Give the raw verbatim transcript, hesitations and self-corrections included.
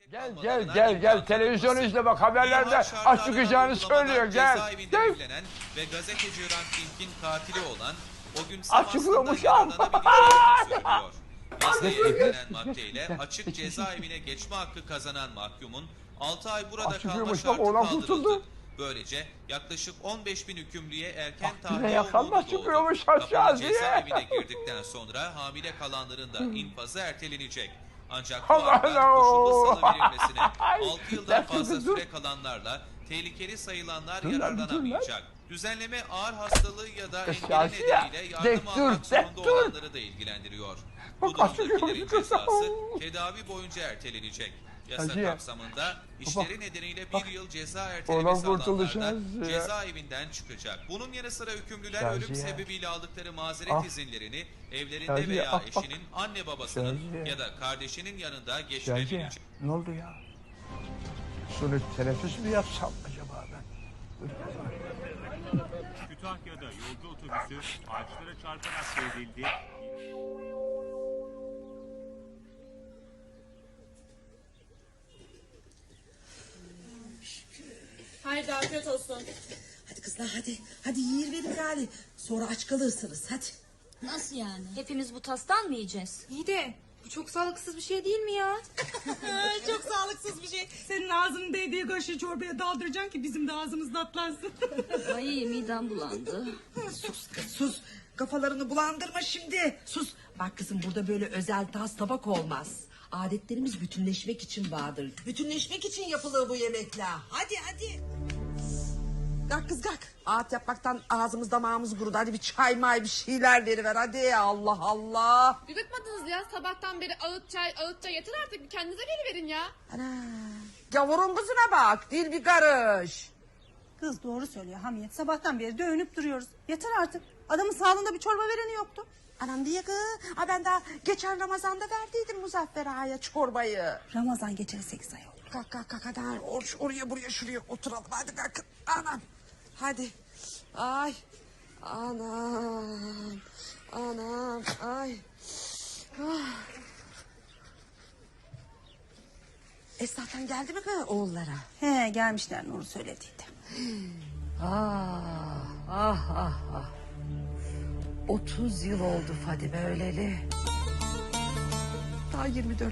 Gel gel gel gel televizyon izle bak haberlerde aç çıkacağını söylüyor gel. Gel. Evlenen ve gazeteci Hrant Dink'in katili olan o gün Açıklıyormuş sabahında ya. yararlanabileceğini söylüyor. Yasaya eklenen maddeyle açık cezaevine geçme hakkı kazanan mahkumun altı ay burada kalma Açıklıyormuş bak şartı oğlan kaldırıldı. kurtuldu. Böylece yaklaşık on beş bin hükümlüye erken Bak, tahliye yakalma umudu doğdu. çıkıyormuş Kapalı aşağı diye. cezaevine girdikten sonra hamile kalanların da infazı ertelenecek. Ancak bu Allah haklar Allah. koşullu salı verilmesine altı yıldan Dur, fazla dur. süre kalanlarla tehlikeli sayılanlar Dur lan, dur lan. yararlanamayacak. Düzenleme ağır hastalığı ya da engeli Şahsi ya. nedeniyle yardım Dek dur, almak zorunda dek dur. olanları da ilgilendiriyor. Bak, Bu açık durumdakilerin yok. cezası tedavi boyunca ertelenecek. Yasa Hacı ya. kapsamında işleri nedeniyle bir yıl ceza Oradan ertelemesi kurtuldu alanlar da Şahsi ya. cezaevinden çıkacak. Bunun yanı sıra hükümlüler Şahsi ölüm ya. sebebiyle aldıkları mazeret Ah. izinlerini evlerinde Şahsi ya, veya ah, bak. eşinin, anne babasının Şahsi ya. ya da kardeşinin yanında Şahsi ya, geçirebilecek. ne oldu ya? Şunu teneffüs mü yapsam acaba ben? Kütahya'da yolcu otobüsü ağaçlara çarparak devrildi. Haydi afiyet olsun. Hadi kızlar hadi. Hadi yiyir verin gari. Sonra aç kalırsınız hadi. Nasıl yani? Hepimiz bu tastan mı yiyeceğiz? İyi de bu çok sağlıksız bir şey değil mi ya? Çok sağlıksız bir şey. Senin ağzının değdiği kaşığı çorbaya daldıracaksın ki bizim de ağzımız tatlansın. Ay midem bulandı. Sus kız sus. Kafalarını bulandırma şimdi. Sus. Bak kızım burada böyle özel tas tabak olmaz. Adetlerimiz bütünleşmek için vardır. Bütünleşmek için yapılır bu yemekler. Hadi hadi. Kalk kız kalk. Ağıt yapmaktan ağzımız damağımız kurudu. Hadi bir çay may bir şeyler veriver hadi. Allah Allah. Bir bıkmadınız ya sabahtan beri ağıt çay ağıt çay yeter artık bir kendinize geliverin ya. Ana. Gavurun kızına bak. Dil bir karış. Kız doğru söylüyor Hamiyet. Sabahtan beri dövünüp duruyoruz. Yeter artık. Adamın sağlığında bir çorba vereni yoktu. Anam diye kız. Ha ben daha geçen Ramazan'da verdiydim Muzaffer Ağa'ya çorbayı. Ramazan geçeli sekiz ay oldu. Kalk kalk kalk hadi or, oraya buraya şuraya oturalım hadi kalk. Anam hadi. Ay anam anam ay. Ah. Esnaftan geldi mi kız oğullara? He gelmişler Nur'u söylediydi. Ah ah ah ah. Otuz yıl oldu Fadime öleli. Daha yirmi dört